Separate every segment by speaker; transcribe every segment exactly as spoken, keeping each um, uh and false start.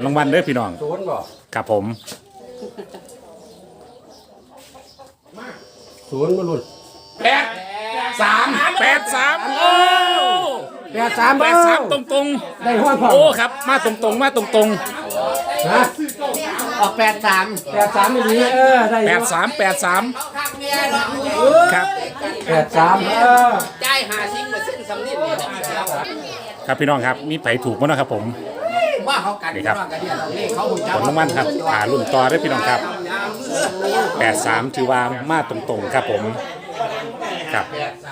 Speaker 1: รางวัลเด้อพี่น้อง
Speaker 2: ศูนย์บ่
Speaker 1: ครับผม
Speaker 2: ศูนย์มาลุ้น
Speaker 1: แปดสามแปดสามโอ้
Speaker 2: แปดสาม
Speaker 1: แปดสามตรงตรง
Speaker 2: ได้ห้องพอ
Speaker 1: โอ้ครับมาตรงตรงมาตรงตรง
Speaker 2: ฮะ
Speaker 3: ออกแปดสาม
Speaker 2: แปดสามไม่ดีเออได้
Speaker 1: แปดสามแปดสามครับ
Speaker 2: แปดสามเออ
Speaker 3: จ่ายหาซิงมาเส้นสำลีนี่
Speaker 1: ครับพี่น้องครับมีไผถูกมั้งนะครับผม
Speaker 3: ว่าเขากัน
Speaker 1: นี่ครับ
Speaker 3: ว่ากันเนี่ยเลขเขาหุ่น
Speaker 1: ผลรางวัลครับหารุ่นต่อได้อพี่น้องครับแปดสามถือว่ามาตรงตรงๆครับผมครับ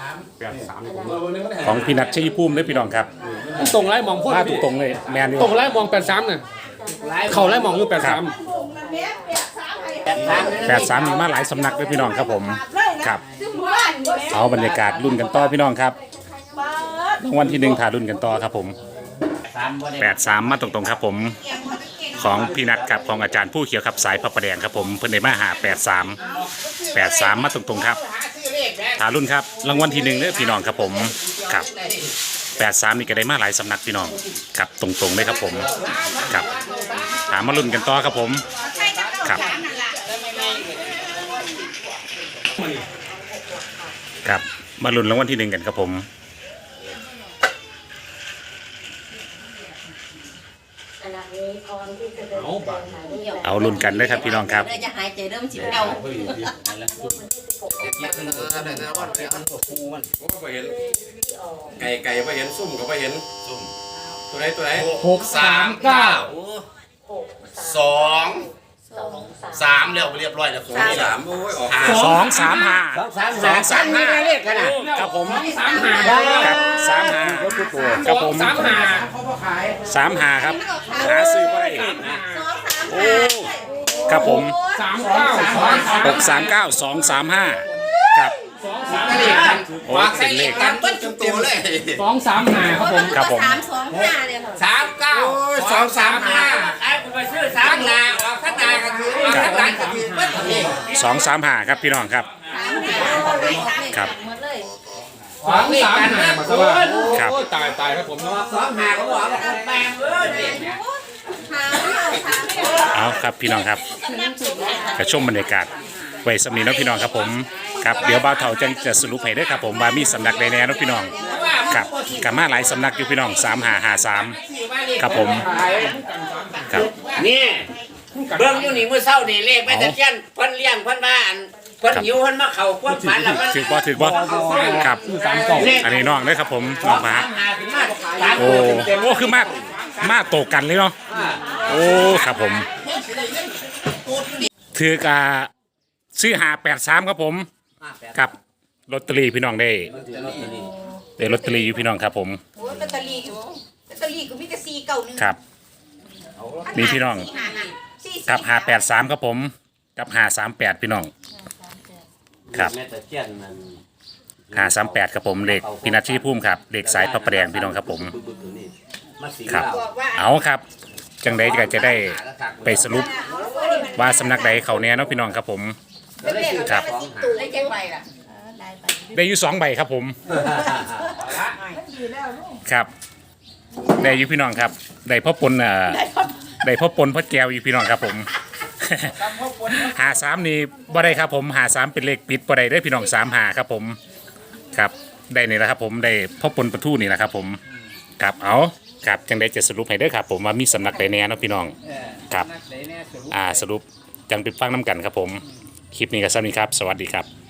Speaker 1: ของพี่นัทชัยภูมิได้อพี่น้องครับ
Speaker 4: ตรงไล่มองพูด
Speaker 1: มาตรงตรงๆเลยแมนอยู่
Speaker 4: ตรงไล่มองแปดสามเนี่ยเขาไล่มองอยู่แปดสาม
Speaker 1: แปดสามมีมาหลายสำนักด้วยพี่น้องครับผมครับเอาบรรยากาศรุ่นกันต่อพี่น้องครับรางวัลที่หนึ่งถ่ายรุ่นกันต่อครับผมแปดสามมาตรงๆครับผมของพี่นัทครับของอาจารย์ผู้เขียวครับสายพระประแดงครับผมเพิ่นได้มาหาแปดสามแปดสามมาตรงๆครับถ่ายรุ่นครับรางวัลที่หนึ่งเนี่ยพี่น้องครับผมครับแปดสามนี่ก็ได้มาหลายสำนักพี่น้องครับตรงๆเลยครับผมครับถามมารุ่นกันต่อครับผมครับ ครับมาลุ้นรางวัลที่หนึ่งกันครับผมเอาลุ้นกันเลยครับพี่น้องครับ
Speaker 5: จะหายใจเริ่มจิบเดา
Speaker 6: ไก่ไก่ไปเห็นซุ่มก็ไปเห็นซุ่มตัวไหนตัวไหน
Speaker 2: หกสามเก้า
Speaker 6: สองสามเรียบเรียบร้อยแล้วสองสามโอ้ยออกหา
Speaker 1: สองสามห้า
Speaker 3: สองสาม
Speaker 1: สองสามห้า
Speaker 3: เลขกันนะครับ
Speaker 1: ผม
Speaker 4: สามหา
Speaker 1: ครับสามห้าครับผม
Speaker 4: สามหา
Speaker 1: สามห้าครับหาซื้อบ่ได้โอ้ครับผม
Speaker 4: สามเก้าสอง
Speaker 1: หกสามเก้าสองสามห้าครับ
Speaker 3: เลขกัน
Speaker 1: โอ้เป็นเลข
Speaker 6: กันต้นจุดตัวเลย
Speaker 4: สองสามหาครับผม
Speaker 1: ครับผม
Speaker 5: สามสองห้าเลยค่ะ
Speaker 3: สามเก้าสองสามห้าไอ้คุณไปซื้อสามนาออกข้างนาก็คือออกข้างหลังก็คือเบิ้ลเลข
Speaker 1: สองสามห้าครับพี่น้องครับ ครับ
Speaker 5: หมดเลย
Speaker 4: สองสามหามาสบาย
Speaker 1: ครับ
Speaker 4: โอ้ตายตายครับผมเนาะ
Speaker 3: สองหาเขาบอกว่าแปลงเอ้ยเลขเนี่ย
Speaker 5: หาไม่เอาหาไม่เอา
Speaker 1: เอาครับพี่น้องครับกระชมบรรยากาศไว้สำนีเนาะพี่น้องครับผมครับเดี๋ยวบ่าวเฒ่าจังจะสรุปให้เด้อครับผมว่ามีสำนักใดแน่เนาะพี่น้องครับกับมาหลายสำนักอยู่พี่น้องสามห้าห้าสามครับผมครับ
Speaker 3: นี่เบิ่งอยู่นี่มื้อเช้านี่เลขไปตะเคียนเพิ่นเลี้ยงเพิ่นมาอันเพิ่นหิวเพิ่นมาเข้าความฝันแล้วมัน
Speaker 1: ถือบ่ถือบ่ครับ
Speaker 4: สามเก้า
Speaker 1: อันนี้น้องเด้อครับผมน้องพระ
Speaker 3: หาขึ้นมาสาม
Speaker 1: โอ้
Speaker 3: ตัวเต็ม
Speaker 1: โอ้คือมากมากโตกันเลยเนาะโอ้ครับผมถือกาซื้อหาแปดสามครับผมครับลอตเตอรี่พี่น้องได้ได้ลอตเตอรี่อยู่พี่น้องครับผม
Speaker 5: โอ้ยลอตเตอรี่อยู่ลอตเตอรี่ก็มีแต่สี่เก้าหนึ่ง
Speaker 1: ครับนี่พี่น้อง
Speaker 5: สี่
Speaker 1: กับหาแปดสามครับผมกับหาสามแปดพี่น้องครับ
Speaker 2: แม่ตะเคียนมัน
Speaker 1: หาสามแปดครับผมเลขพินัทชีพุ่มครับเลขสายพระประแดงพี่น้องครับผม
Speaker 2: มาสี
Speaker 1: ครับ
Speaker 2: ดาว
Speaker 5: บอกว่า
Speaker 1: เอาครับจังใดก็จะได้ไปสรุปว่าสำนักใดเขาแน่เนาะพี่น้องครับผม
Speaker 5: เป็นเลข
Speaker 1: ครับ
Speaker 5: ได้แจ้งไปล่ะได้ไป
Speaker 1: ได้อยู่สองใบครับผมครับได้อยู่พี่น้องครับได้พ่อปนเอ่อได้พ่อปนพ่อแก้วอยู่พี่น้องครับผม หาสามนี่บ่ได้ครับผมหาสามเป็นเลขปิดบ่ได้ได้อพี่น้องสามหาครับผมครับได้นี่แหละครับผมได้พ่อปนประทูนี่แหละครับผมครับเอาครับจังได้จะสรุปให้ได้อครับผมว่ามีสำนักใดแน่เนาะพี่น้องครับอ่าสรุปจังไปฟังน้ำกันครับผมคลิปนี้ก็สำนี้ครับสวัสดีครับ